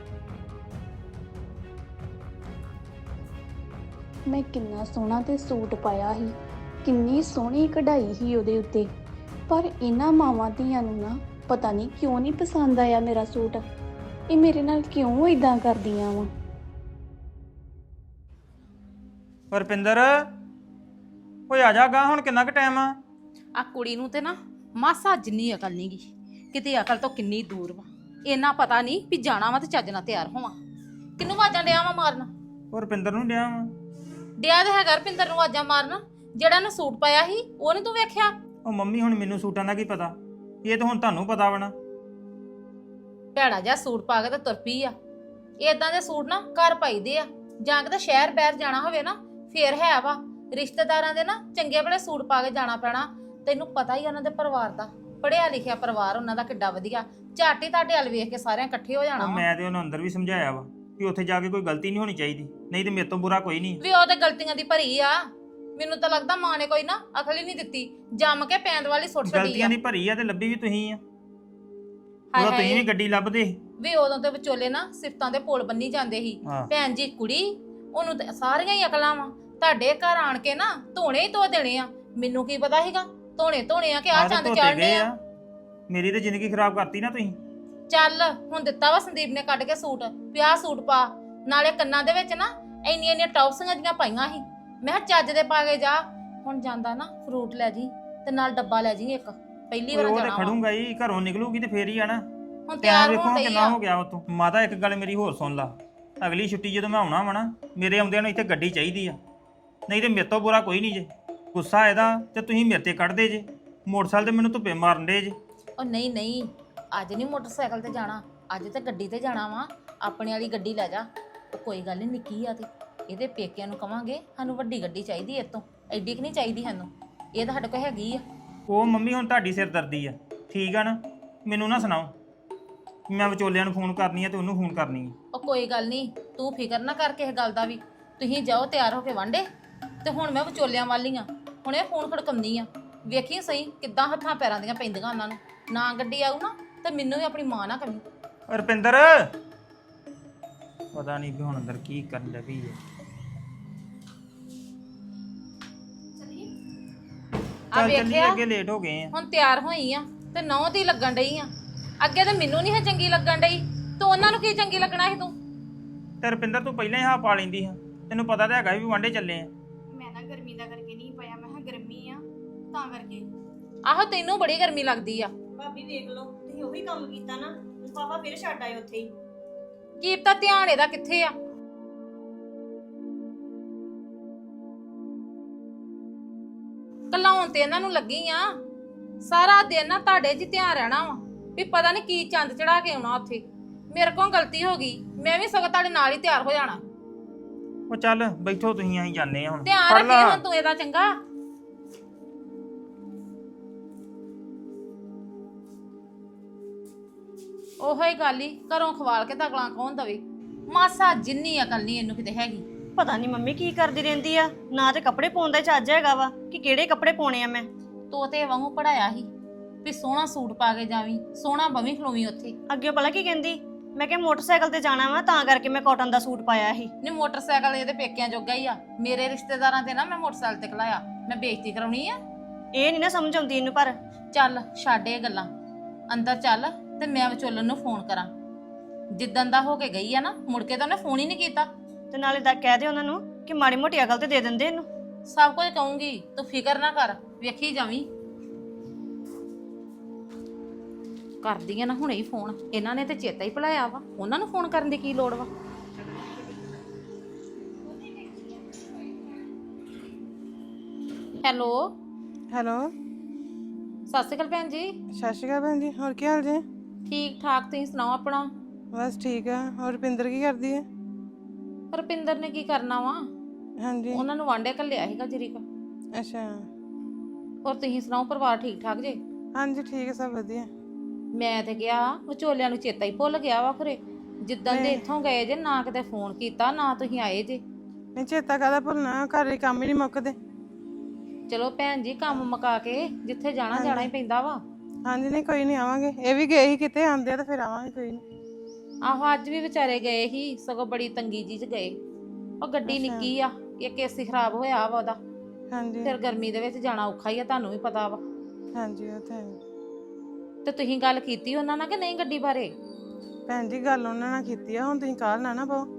ਮੈਂ ਕਿੰਨਾ ਸੋਹਣਾ ਤੇ ਸੂਟ ਪਾਇਆ ਸੀ, ਕਿੰਨੀ ਸੋਹਣੀ ਕਢਾਈ ਸੀ ਉਹਦੇ ਉੱਤੇ, ਪਰ ਇਹਨਾਂ ਮਾਵਾਂ ਧੀਆਂ ਨੂੰ ਨਾ ਪਤਾ ਨਹੀਂ ਕਿਉਂ ਨਹੀਂ ਪਸੰਦ ਆਇਆ ਮੇਰਾ ਸੂਟ। ਇਹ ਮੇਰੇ ਨਾਲ ਕਿਉਂ ਇਦਾਂ ਕਰਦੀਆਂ ਵਾ। ਰੁਪਿੰਦਰ ਓਏ ਆ ਜਾ ਗਾ, ਹੁਣ ਕਿੰਨਾ ਕੁ ਟਾਈਮ ਆ? ਆ ਕੁੜੀ ਨੂੰ ਤੇ ਨਾ ਮਾਸਾ ਜਿੰਨੀ ਅਕਲ ਨਹੀਂਗੀ, ਕਿਤੇ ਅਕਲ ਤੋਂ ਕਿੰਨੀ ਦੂਰ ਵਾ। ਇਹਨਾਂ ਪਤਾ ਨਹੀਂ ਵੀ ਜਾਣਾ ਵਾ ਤੇ ਚੱਜ ਨਾਲ ਤਿਆਰ ਹੋਵਾਂ। ਕਿੰਨੂੰ ਆਵਾਜ਼ਾਂ ਡਿਆ ਵਾ ਮਾਰਨ? ਉਹ ਰੁਪਿੰਦਰ ਨੂੰ ਡਿਆ ਵਾ। ਡਿਆ ਤੇ ਹੈਗਾ ਰਪਿੰਦਰ ਨੂੰ ਆਵਾਜ਼ਾਂ ਮਾਰਨ, ਜਿਹੜਾ ਨੇ ਸੂਟ ਪਾਇਆ ਸੀ ਉਹ ਨੀ ਤੂੰ ਵੇਖਿਆ? ਉਹ ਮੰਮੀ ਹੁਣ ਮੈਨੂੰ ਸੂਟਾਂ ਦਾ ਕੀ ਪਤਾ, ਇਹ ਤਾਂ ਹੁਣ ਤੁਹਾਨੂੰ ਪਤਾ ਵਾ ਨਾ। ਭੈੜਾ ਜਿਹਾ ਸੂਟ ਪਾ ਕੇ ਤੇ ਤੁਰ ਪਈ ਆ। ਏਦਾਂ ਦੇ ਸੂਟ ਨਾ ਘਰ ਪਾਈਦੇ ਆ, ਜਾਂ ਕਿਤੇ ਸ਼ਹਿਰ ਬਾਹਰ ਜਾਣਾ ਹੋਵੇ ਨਾ ਫੇਰ ਹੈ ਵਾ। ਰਿਸ਼ਤੇਦਾਰਾਂ ਦੇ ਨਾ ਚੰਗੇ ਬੜੇ ਸੂਟ ਪਾ ਕੇ ਜਾਣਾ ਪੈਣਾ। ਤੈਨੂੰ ਪਤਾ ਹੀ ਉਹਨਾਂ ਦੇ ਪਰਿਵਾਰ ਦਾ, ਪੜਿਆ ਲਿਖਿਆ ਪਰਿਵਾਰ ਉਹਨਾਂ ਦਾ ਕਿੱਡਾ ਵਧੀਆ। ਝੱਟ ਹੀ ਤੁਹਾਡੇ ਵੱਲ ਵੇਖ ਕੇ ਸਾਰਿਆਂ ਇਕੱਠੇ ਹੋ ਜਾਣਾ ਉਹ ਵਾ। ਮੈਂ ਤੇ ਉਹਨੂੰ ਅੰਦਰ ਵੀ ਸਮਝਾਇਆ ਵਾ ਕਿ ਉੱਥੇ ਜਾ ਕੇ ਕੋਈ ਗਲਤੀ ਨਹੀਂ ਹੋਣੀ ਚਾਹੀਦੀ, ਨਹੀਂ ਤੇ ਮੇਰੇ ਤੋਂ ਬੁਰਾ ਕੋਈ ਨਹੀਂ। ਵੀ ਉਹ ਤੇ ਗਲਤੀਆਂ ਦੀ ਭਰੀ ਆ। ਮੈਨੂੰ ਤਾਂ ਲੱਗਦਾ ਮਾਂ ਨੇ ਕੋਈ ਨਾ ਅਕਲ ਹੀ ਨਹੀਂ ਦਿੱਤੀ, ਜੰਮ ਕੇ ਪੈਂਦ ਵਾਲੀ ਸੁੱਟ ਛੱਡੀ ਆ। ਗਲਤੀਆਂ ਦੀ ਭਰੀ ਆ ਤੇ ਲੱਭੀ ਵੀ ਤੁਸੀਂ ਆ। ਹਾਏ ਉਹ ਤੁਸੀਂ ਹਾਏ ਵੀ ਗੱਡੀ ਲੱਭਦੇ। ਵੀ ਉਦੋਂ ਤੇ ਵਿਚੋਲੇ ਨਾ ਸਿਫਤਾਂ ਦੇ ਪੁਲ ਬੰਨੀ ਜਾਂਦੇ ਸੀ। ਹਾਂ। ਭੈਣ ਜੀ ਕੁੜੀ ਉਹਨੂੰ ਤੇ ਸਾਰੀਆਂ ਹੀ ਅਕਲਾਂ ਵਾ। ਤੁਹਾਡੇ ਘਰ ਆਣ ਕੇ ਨਾ ਧੋਣੇ ਹੀ ਧੋ ਦੇਣੇ ਆ। ਮੈਨੂੰ ਕੀ ਪਤਾ ਸੀਗਾ ਧੋਣੇ ਧੋਣੇ ਆ ਕਿ ਆ ਆਹ ਤੇ ਚੰਦ ਧੋਤੇ ਚੜਨੇ ਗਏ ਆ। ਆ। ਮੇਰੀ ਤੇ ਜ਼ਿੰਦਗੀ ਖਰਾਬ ਕਰਤੀ ਨਾ ਤੁਸੀਂ। ਚੱਲ ਹੁਣ ਦਿੱਤਾ ਵਾ ਸੰਦੀਪ ਨੇ ਕੱਢ ਕੇ ਸੂਟ, ਪਿਆ ਸੂਟ ਪਾ। ਨਾਲੇ ਕੰਨਾਂ ਦੇ ਵਿੱਚ ਨਾ ਇੰਨੀਆਂ ਇੰਨੀਆਂ ਟੌਪਸੀਆਂ ਜੀਆਂ ਪਾਈਆਂ ਸੀ। ਮੈਂ ਕਿਹਾ ਚੱਜ ਦੇ ਪਾ ਕੇ ਜਾ। ਹੁਣ ਜਾਂਦਾ ਨਾ ਫਰੂਟ ਲੈ ਜੀ ਤੇ ਨਾਲ ਡੱਬਾ ਲੈ ਜੀ ਇੱਕ। ਪਹਿਲੀ ਵਾਰ ਉਹ ਤੇ ਜਾਣਾ ਵਾ। ਖੜੂੰਗਾ ਹੀ, ਘਰੋਂ ਨਿਕਲੂਗੀ ਤੇ ਫੇਰ ਹੀ ਆ ਨਾ। ਹੁਣ ਟਾਈਮ ਤਿਆਰ ਵੇਖੋ ਹੋਣ ਡਈ ਕਿੰਨਾ ਆ। ਹੋ ਗਿਆ ਉਤੋਂ। ਮਾਤਾ ਇੱਕ ਗੱਲ ਮੇਰੀ ਹੋਰ ਸੁਣ ਲਾ, ਅਗਲੀ ਛੁੱਟੀ ਜਦੋਂ ਮੈਂ ਆਉਣਾ ਵਾ ਨਾ, ਮੇਰੇ ਆਉਂਦਿਆਂ ਨੂੰ ਇੱਥੇ ਗੱਡੀ ਚਾਹੀਦੀ ਆ, ਨਹੀਂ ਤੇ ਮੇਰੇ ਤੋਂ ਬੁਰਾ ਕੋਈ ਨਹੀਂ ਜੇ। ਗੁੱਸਾ ਇਹਦਾ ਤੇ ਤੁਸੀਂ ਮੇਰੇ ਤੇ ਕੱਢਦੇ ਜੇ, ਮੋਟਰਸਾਈਕਲ ਤੇ ਮੈਨੂੰ ਧੁੱਪੇ ਮਾਰਨ ਦੇ ਜੇ। ਉਹ ਨਹੀਂ ਨਹੀਂ, ਅੱਜ ਨਹੀਂ ਮੋਟਰਸਾਈਕਲ ਤੇ ਜਾਣਾ, ਅੱਜ ਤੇ ਗੱਡੀ ਤੇ ਜਾਣਾ ਵਾ। ਆਪਣੇ ਵਾਲੀ ਗੱਡੀ ਲੈ ਜਾ। ਉਹ ਕੋਈ ਗੱਲ ਨਹੀਂ, ਨਿੱਕੀ ਆ ਤੇ ਇਹਦੇ ਪੇਕਿਆਂ ਨੂੰ ਕਵਾਂਗੇ ਸਾਨੂੰ ਵੱਡੀ ਗੱਡੀ ਚਾਹੀਦੀ, ਇਹ ਤੋਂ ਐਡੀ ਕਿ ਨਹੀਂ ਚਾਹੀਦੀ ਸਾਨੂੰ। ਇਹ ਤਾਂ ਸਾਡੇ ਕੋਲ ਹੈਗੀ ਆ। ਉਹ ਮੰਮੀ ਹੁਣ ਤੁਹਾਡੀ ਸਿਰਦਰਦੀ ਆ, ਠੀਕ ਆ ਨਾ। ਮੈਨੂੰ ਨਾ ਸੁਣਾਓ ਮੈਂ ਵਿਚੋਲਿਆਂ ਨੂੰ ਫੋਨ ਕਰਨੀ ਆ ਤੇ ਉਹਨੂੰ ਫੋਨ ਕਰਨੀ ਆ। ਉਹ ਕੋਈ ਗੱਲ ਨਹੀਂ, ਤੂੰ ਫਿਕਰ ਨਾ ਕਰ ਕਿਸੇ ਗੱਲ ਦਾ ਵੀ। ਤੁਸੀਂ ਜਾਓ ਤਿਆਰ ਹੋ ਕੇ ਵਾਂਡੇ, ਤੇ ਹੁਣ ਮੈਂ ਵਿਚੋਲਿਆਂ ਵਾਲੀ ਆ। ਹੁਣ ਇਹ ਫੋਨ ਖੜਕਾਉਂਦੀ ਆ, ਵੇਖੀ ਸਹੀ ਕਿੱਦਾਂ ਹੱਥਾਂ ਪੈਰਾਂ ਦੀਆਂ ਪੈਂਦੀਆਂ ਉਹਨਾਂ ਨੂੰ। ਨਾ ਗੱਡੀ ਆਊ ਨਾ ਤੇ ਮੈਨੂੰ ਵੀ ਆਪਣੀ ਮਾਂ ਨਾ ਕਮੀ। ਰੁਪਿੰਦਰ ਪਤਾ ਨਹੀਂ ਵੀ ਹੁਣ ਅੰਦਰ ਕੀ ਕਰਨ ਲੱਗੀ ਹੈ। ਆ ਚੱਲ ਚੱਲੀਏ, ਵੇਖਿਆ ਅੱਗੇ ਲੇਟ ਹੋ ਗਏ ਆ। ਹੁਣ ਤਿਆਰ ਹੋਈ ਆ ਤੇ ਨੌ ਦੀ ਲੱਗਣ ਡਈ ਆ। ਅੱਗੇ ਤੇ ਮੈਨੂੰ ਨਹੀਂ ਹੈ ਚੰਗੀ ਲੱਗਣ ਡਈ, ਤੂੰ ਉਹਨਾਂ ਨੂੰ ਕੀ ਚੰਗੀ ਲੱਗਣਾ ਸੀ ਤੂੰ? ਤੇ ਰੁਪਿੰਦਰ ਤੂੰ ਪਹਿਲਾਂ ਹੀ ਹਾਂ ਪਾ ਲੈਂਦੀ ਹਾਂ, ਤੈਨੂੰ ਪਤਾ ਤਾਂ ਹੈਗਾ ਵੀ ਵਾਂਡੇ ਚੱਲੇ ਆ। ਮੈਂ ਨਾ ਗਰਮੀ ਦਾ ਕਰਕੇ ਨਹੀਂ ਪਾਇਆ, ਮੈਂ ਕਿਹਾ ਗਰਮੀ ਆ ਤਾਂ ਕਰਕੇ। ਆਹੋ ਤੈਨੂੰ ਬੜੀ ਗਰਮੀ ਲੱਗਦੀ ਆ। ਭਾਬੀ ਵੇਖ ਲਓ, ਤੁਸੀਂ ਉਹੀ ਕੰਮ ਕੀਤਾ ਨਾ, ਪਾਪਾ ਫਿਰ ਛੱਡ ਆਏ ਉੱਥੇ ਹੀ। ਕੀ ਪਤਾ ਧਿਆਨ ਇਹਦਾ ਕਿੱਥੇ ਆ। ਕਲਾਉਣ ਤੇ ਇਹਨਾਂ ਨੂੰ ਲੱਗੀ ਆ। ਸਾਰਾ ਦਿਨ ਨਾ ਤੁਹਾਡੇ 'ਚ ਧਿਆਨ ਰਹਿਣਾ ਵਾ ਵੀ ਪਤਾ ਨਹੀਂ ਕੀ ਚੰਦ ਚੜਾ ਕੇ ਆਉਣਾ ਉੱਥੇ। ਮੇਰੇ ਕੋਲ ਗਲਤੀ ਹੋ ਗਈ, ਮੈਂ ਵੀ ਸਗੋਂ ਤੁਹਾਡੇ ਨਾਲ ਹੀ ਤਿਆਰ ਹੋ ਜਾਣਾ। ਉਹ ਚੱਲ ਬੈਠੋ ਤੁਸੀਂ, ਅਸੀਂ ਜਾਂਦੇ ਆ ਹੁਣ। ਧਿਆਨ ਫੜ ਰੱਖੀ ਲਾ। ਹੁਣ ਤੂੰ ਇਹਦਾ ਚੰਗਾ। ਉਹੋ ਹੀ ਗੱਲ ਹੀ, ਘਰੋਂ ਖਵਾਲ ਕੇ ਤਗਲਾਂ ਕੌਣ ਦਵੇ। ਮਾਸਾ ਜਿੰਨੀ ਅਕਲ ਨਹੀਂ ਇਹਨੂੰ ਕਿਤੇ ਹੈਗੀ। ਪਤਾ ਨਹੀਂ ਮੰਮੀ ਕੀ ਕਰਦੀ ਰਹਿੰਦੀ ਆ, ਨਾ ਤੇ ਕੱਪੜੇ ਪਾਉਣ ਦਾ ਚੱਜ ਹੈਗਾ ਵਾ ਕਿ ਕਿਹੜੇ ਕੱਪੜੇ ਪਾਉਣੇ ਆ ਮੈਂ। ਤੋਤੇ ਵਾਂਗੂ ਪੜਾਇਆ ਸੀ ਵੀ ਸੋਹਣਾ ਸੂਟ ਪਾ ਕੇ ਜਾਵੀਂ, ਸੋਹਣਾ ਬਵੀਂ ਖਲੋਵੀਂ ਉੱਥੇ। ਅੱਗੇ ਭਲਾ ਕੀ ਕਹਿੰਦੀ? ਮੈਂ ਕਿਹਾ ਮੋਟਰਸਾਈਕਲ ਤੇ ਜਾਣਾ ਵਾ ਤਾਂ ਕਰਕੇ ਮੈਂ ਕਾਟਨ ਦਾ ਸੂਟ ਪਾਇਆ ਸੀ। ਨੇ ਮੋਟਰਸਾਈਕਲ ਇਹਦੇ ਪੇਕਿਆਂ ਜੋਗਾ ਹੀ ਆ, ਮੇਰੇ ਰਿਸ਼ਤੇਦਾਰਾਂ ਤੇ ਨਾ ਮੈਂ ਮੋਟਰਸਾਈਕਲ ਤੇ ਖਲਾਇਆ, ਮੈਂ ਬੇਇੱਜ਼ਤੀ ਕਰਾਉਣੀ ਆ? ਇਹ ਨਹੀਂ ਨਾ ਸਮਝ ਆਉਂਦੀ ਇਹਨੂੰ। ਪਰ ਚੱਲ ਛੱਡ ਇਹ ਗੱਲਾਂ, ਅੰਦਰ ਚੱਲ ਤੇ ਮੈਂ ਵਿਚੋਲਨ ਨੂੰ ਫੋਨ ਕਰਾਂ। ਜਿੱਦਣ ਦਾ ਹੋ ਕੇ ਗਈ ਆ ਨਾ, ਮੁੜ ਕੇ ਤਾਂ ਉਹਨੇ ਫੋਨ ਹੀ ਨਹੀਂ ਕੀਤਾ। ਤੇ ਨਾਲੇ ਦਾ ਕਹਿ ਦੇ ਉਹਨਾਂ ਨੂੰ ਕਿ ਮਾੜੀ ਮੋਟੀ ਅਕਲ ਤੇ ਦੇ ਦਿੰਦੇ ਇਹਨੂੰ। ਸਭ ਕੁਝ ਕਹੂੰਗੀ, ਤੂੰ ਫਿਕਰ ਨਾ ਕਰ, ਵੇਖੀ ਜਾਵੀਂ। ਕਰਦੀ ਆ ਨਾ ਹੁਣੇ ਹੀ ਫੋਨ, ਇਹਨਾਂ ਨੇ ਤੇ ਚੇਤਾ ਹੀ ਭੁਲਾਇਆ ਵਾ, ਉਹਨਾਂ ਨੂੰ ਫੋਨ ਕਰਨ ਦੀ ਕੀ ਲੋੜ ਵਾ। ਹੈਲੋ ਹੈਲੋ, ਸਤਿ ਸ਼੍ਰੀ ਅਕਾਲ ਭੈਣ ਜੀ। ਸਤਿ ਸ਼੍ਰੀ ਅਕਾਲ ਭੈਣ ਜੀ, ਹੋਰ ਕੀ ਹਾਲ ਜੀ? ਠੀਕ ਠਾਕ, ਤੁਸੀਂ ਸੁਣਾਓ ਆਪਣਾ? ਬਸ ਠੀਕ ਆ। ਹੋਰ ਰੁਪਿੰਦਰ ਕੀ ਕਰਦੀ ਹੈ? ਰੁਪਿੰਦਰ ਨੇ ਕੀ ਕਰਨਾ ਵਾ, ਹਾਂਜੀ, ਉਹਨਾਂ ਨੂੰ ਵਾਂਡੇ ਘੱਲਿਆ ਸੀਗਾ ਜਰੀਕਾ। ਅੱਛਾ, ਔਰ ਤੁਸੀਂ ਸੁਣਾਓ, ਪਰਿਵਾਰ ਠੀਕ ਠਾਕ ਜੇ? ਹਾਂਜੀ ਠੀਕ ਹੈ, ਸਭ ਵਧੀਆ। ਮੈਂ ਤੇ ਗਿਆ ਵਿਚੋਲਿਆਂ ਨੂੰ ਚੇਤਾ ਹੀ ਭੁੱਲ ਗਿਆ ਵਾ ਖਰੇ, ਜਿੱਦਾਂ ਦੇ ਇੱਥੋਂ ਗਏ ਜੇ ਨਾ ਕਿਤੇ ਫੋਨ ਕੀਤਾ ਨਾ ਤੁਸੀਂ ਆਏ ਜੇ। ਨਹੀਂ ਚੇਤਾ ਕਾਹਦਾ ਭੁੱਲਣਾ, ਘਰ ਦੇ ਕੰਮ ਹੀ ਨਹੀਂ ਮੁੱਕਦੇ। ਚਲੋ ਭੈਣ ਜੀ, ਕੰਮ ਮੁਕਾ ਕੇ ਜਿੱਥੇ ਜਾਣਾ ਜਾਣਾ ਹੀ ਪੈਂਦਾ ਵਾ। ਹਾਂਜੀ, ਨਹੀਂ ਕੋਈ ਨਹੀਂ, ਆਵਾਂਗੇ। ਇਹ ਵੀ ਗਏ ਸੀ ਕਿਤੇ, ਆਉਂਦੇ ਆ ਤਾਂ ਫਿਰ ਆਵਾਂਗੇ, ਕੋਈ ਨਹੀਂ। ਆਹੋ ਅੱਜ ਵੀ ਵਿਚਾਰੇ ਗਏ ਸੀ, ਸਗੋਂ ਬੜੀ ਤੰਗੀ ਜੀ ਚ ਗਏ। ਉਹ ਗੱਡੀ ਨਿੱਕੀ ਆ, ਇੱਕ ਏਸੀ ਖਰਾਬ ਹੋਇਆ ਵਾ ਉਹਦਾ, ਹਾਂਜੀ ਫਿਰ ਗਰਮੀ ਦੇ ਵਿੱਚ ਜਾਣਾ ਔਖਾ ਹੀ ਆ, ਤੁਹਾਨੂੰ ਵੀ ਪਤਾ ਵਾ। ਹਾਂਜੀ, ਉਹ ਤਾਂ ਹੈ। ਤੇ ਤੁਸੀਂ ਗੱਲ ਕੀਤੀ ਉਹਨਾਂ ਨਾਲ ਕਿ ਨਹੀਂ ਗੱਡੀ ਬਾਰੇ? ਭੈਣ ਜੀ ਗੱਲ ਉਹਨਾਂ ਨਾਲ ਕੀਤੀ ਆ, ਹੁਣ ਤੁਸੀਂ ਕਾਹਲ ਨਾ ਨਾ ਪਾਓ,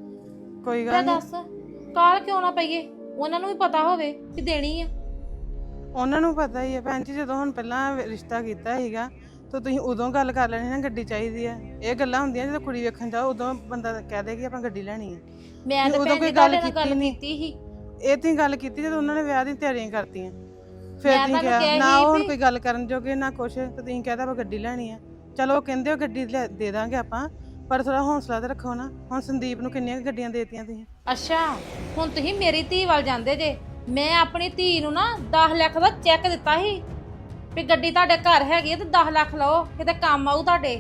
ਕੋਈ ਮੈਂ ਗੱਲ ਨਹੀਂ। ਦੱਸ ਕਾਲ ਕਿਉਂ ਨਾ ਪਈਏ, ਉਹਨਾਂ ਨੂੰ ਵੀ ਪਤਾ ਹੋਵੇ ਕਿ ਦੇਣੀ ਆ। ਉਹਨਾਂ ਨੂੰ ਪਤਾ ਹੀ ਹੈ ਭੈਣ ਜੀ, ਜਦੋਂ ਹੁਣ ਪਹਿਲਾਂ ਰਿਸ਼ਤਾ ਕੀਤਾ ਸੀਗਾ ਤਾਂ ਤੁਸੀਂ ਉਦੋਂ ਗੱਲ ਕਰ ਲੈਣੀ ਨਾ ਗੱਡੀ ਚਾਹੀਦੀ ਹੈ। ਇਹ ਗੱਲਾਂ ਹੁੰਦੀਆਂ ਜਦੋਂ ਕੁੜੀ ਵੇਖਣ ਜਾਓ, ਉਦੋਂ ਬੰਦਾ ਕਹਿ ਦੇ ਕਿ ਆਪਾਂ ਗੱਡੀ ਲੈਣੀ ਹੈ। ਮੈਂ ਤਾਂ ਉਦੋਂ ਭੈਣ ਕੋਈ ਜੀ ਗੱਲ ਤੁਹਾਡੇ ਨਾਲ ਗੱਲ ਕੀਤੀ ਨੀ। ਕੀਤੀ ਸੀ। ਇਹ ਤੁਸੀਂ ਗੱਲ ਕੀਤੀ ਜਦੋਂ ਉਹਨਾਂ ਨੇ ਵਿਆਹ ਦੀਆਂ ਤਿਆਰੀਆਂ ਕਰਤੀਆਂ, ਫਿਰ ਮੈਂ ਤੁਸੀਂ ਤੁਹਾਨੂੰ ਕਿਹਾ ਕਿਹਾ ਨਾ ਸੀ ਉਹ ਹੁਣ ਵੀ- ਕੋਈ ਗੱਲ ਕਰਨ ਜੋਗੇ ਨਾ ਕੁਛ, ਤੇ ਤੁਸੀਂ ਕਹਿੰਦਾ ਆਪਾਂ ਗੱਡੀ ਲੈਣੀ ਆ। ਚਲੋ ਉਹ ਕਹਿੰਦੇ ਉਹ ਗੱਡੀ ਲੈ- ਦੇ ਦਾਂਗੇ ਆਪਾਂ, ਪਰ ਥੋੜਾ ਹੌਸਲਾ ਤੇ ਰੱਖੋ ਨਾ। ਹੁਣ ਸੰਦੀਪ ਨੂੰ ਕਿੰਨੀਆਂ ਕੁ ਗੱਡੀਆਂ ਦੇਤੀਆਂ ਤੁਸੀਂ? ਅੱਛਾ, ਹੁਣ ਤੁਸੀਂ ਮੇਰੀ ਧੀ ਵੱਲ ਜਾਂਦੇ ਜੇ। ਮੈਂ ਆਪਣੀ ਧੀ ਨੂੰ ਨਾ ਦਸ ਲੱਖ ਦਾ ਚੈੱਕ ਦਿੱਤਾ ਸੀ ਵੀ ਗੱਡੀ ਤੁਹਾਡੇ ਘਰ ਹੈਗੀ ਹੈ ਤੇ ਦਸ ਲੱਖ ਲਓ, ਕਿਤੇ ਕੰਮ ਆਊ ਤੁਹਾਡੇ।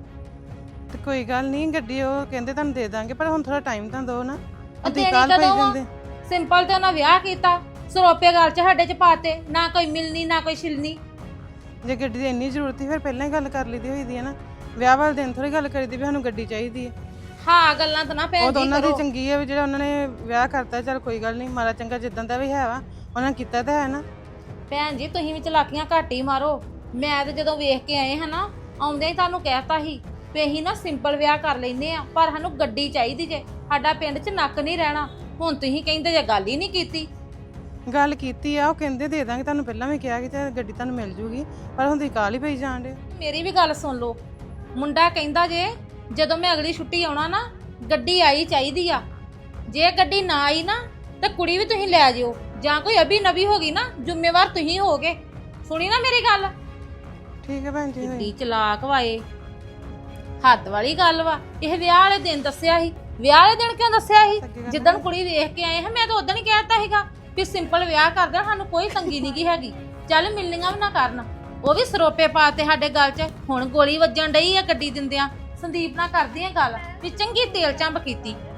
ਤੇ ਕੋਈ ਗੱਲ ਨਹੀਂ, ਗੱਡੀ ਉਹ ਕਹਿੰਦੇ ਤੁਹਾਨੂੰ ਦੇ ਦਾਂਗੇ, ਪਰ ਹੁਣ ਥੋੜਾ ਟਾਈਮ ਤਾਂ ਦਿਓ ਨਾ। ਉਹ ਤੁਸੀਂ ਦੇਣੀ ਕੱਲ ਪਈ ਕਦੋਂ ਆ? ਜਾਂਦੇ। ਸਿੰਪਲ ਤੇ ਉਹਨਾਂ ਵਿਆਹ ਕੀਤਾ, ਸਰੋਪੇ ਗੱਲ ਚ ਸਾਡੇ ਚ ਪਾਤੇ, ਨਾ ਕੋਈ ਮਿਲਣੀ ਨਾ ਕੋਈ ਛਿਲਣੀ। ਜੇ ਗੱਡੀ ਦੀ ਇੰਨੀ ਜ਼ਰੂਰਤ ਸੀ ਫਿਰ ਪਹਿਲਾਂ ਹੀ ਗੱਲ ਕਰ ਲਈਦੀ ਹੋਈ ਦੀ ਹੈ ਨਾ। ਵਿਆਹ ਵਾਲੇ ਦਿਨ ਥੋੜੀ ਗੱਲ ਕਰੀਦੀ ਵੀ ਸਾਨੂੰ ਗੱਡੀ ਚਾਹੀਦੀ ਹੈ। ਹਾਂ ਗੱਲਾਂ ਤਾਂ ਨਾ ਉਹ ਭੈਣ ਤਾਂ ਜੀ ਉਹਨਾਂ ਦੀ ਕਰੋ। ਚੰਗੀ ਹੈ ਵੀ ਜਿਹੜਾ ਉਹਨਾਂ ਨੇ ਵਿਆਹ ਕਰਤਾ, ਚਲ ਕੋਈ ਗੱਲ ਨਹੀਂ, ਮਾੜਾ ਚੰਗਾ ਜਿੱਦਾਂ ਦਾ ਵੀ ਹੈ ਵਾ ਉਹਨਾਂ ਨੇ ਕੀਤਾ ਤਾਂ ਹੈ ਨਾ। ਭੈਣ ਜੀ ਤੁਸੀਂ ਵੀ ਚਲਾਕੀਆਂ ਘੱਟ ਹੀ ਮਾਰੋ। ਮੈਂ ਤੇ ਜਦੋਂ ਵੇਖ ਕੇ ਆਏ ਹਾਂ ਨਾ, ਆਉਂਦੇ ਹੀ ਤੁਹਾਨੂੰ ਕਹਿਤਾ ਸੀ ਵੀ ਅਸੀਂ ਨਾ ਸਿੰਪਲ ਵਿਆਹ ਕਰ ਲੈਂਦੇ ਆ, ਪਰ ਸਾਨੂੰ ਗੱਡੀ ਚਾਹੀਦੀ ਜੇ, ਸਾਡਾ ਪਿੰਡ 'ਚ ਨੱਕ ਨਹੀਂ ਰਹਿਣਾ। ਹੁਣ ਤੁਸੀਂ ਕਹਿੰਦੇ ਜੇ ਗੱਲ ਹੀ ਨਹੀਂ ਕੀਤੀ। ਗੱਲ ਕੀਤੀ ਆ, ਉਹ ਕਹਿੰਦੇ ਦੇ ਦਾਂਗੇ, ਤੁਹਾਨੂੰ ਪਹਿਲਾਂ ਵੀ ਕਿਹਾ ਕਿ ਤੇ ਗੱਡੀ ਤੁਹਾਨੂੰ ਮਿਲ ਜੂਗੀ, ਪਰ ਹੁਣ ਤੁਸੀਂ ਕਾਹਲ ਹੀ ਪਈ ਜਾਣ ਡੇ। ਮੇਰੀ ਵੀ ਗੱਲ ਸੁਣ ਲਓ, ਮੁੰਡਾ ਕਹਿੰਦਾ ਜੇ ਜਦੋਂ ਮੈਂ ਅਗਲੀ ਛੁੱਟੀ ਆਉਣਾ ਨਾ ਗੱਡੀ ਆਈ ਚਾਹੀਦੀ ਆ। ਜੇ ਗੱਡੀ ਨਾ ਆਈ ਨਾ ਤੇ ਕੁੜੀ ਵੀ ਤੁਸੀਂ ਲੈ ਜਿਓ, ਜਾਂ ਕੋਈ ਅਭੀ ਨਵੀ ਹੋ ਗਈ ਨਾ ਜ਼ਿੰਮੇਵਾਰ ਤੁਸੀਂ ਹੋਗੇ। ਸੁਣੀ ਨਾ ਮੇਰੀ ਗੱਲ? ਠੀਕ ਹੈ ਭੈਣ ਜੀ। ਗੱਡੀ ਚਲਾਕ ਵਾਏ, ਹੱਦ ਵਾਲੀ ਗੱਲ ਵਾ। ਇਹ ਵਿਆਹ ਵਾਲੇ ਦਿਨ ਦੱਸਿਆ ਸੀ, ਵਿਆਹ ਵਾਲੇ ਦਿਨ ਕਿਉਂ ਦੱਸਿਆ ਸੀ? ਜਿੱਦਣ ਕੁੜੀ ਵੇਖ ਕੇ ਆਏ ਹਾਂ ਮੈਂ ਤਾਂ ਉਦੋਂ ਹੀ ਕਹਿਤਾ ਸੀਗਾ ਵੀ ਸਿੰਪਲ ਵਿਆਹ ਕਰਦੇ, ਸਾਨੂੰ ਕੋਈ ਤੰਗੀ ਨਹੀਂ ਗੀ ਹੈਗੀ। ਚੱਲ ਮਿਲਣੀਆਂ ਵੀ ਨਾ ਕਰਨ, ਉਹ ਵੀ ਸਰੋਪੇ ਪਾਤੇ ਸਾਡੇ ਗੱਲ 'ਚ। ਹੁਣ ਗੋਲੀ ਵੱਜਣ ਡਈ ਆ ਗੱਡੀ ਦਿੰਦਿਆਂ। ਸੰਦੀਪ ਨਾਲ ਕਰਦੀ ਆ ਗੱਲ ਵੀ ਚੰਗੀ ਤੇਲ ਚੰਬ ਕੀਤੀ।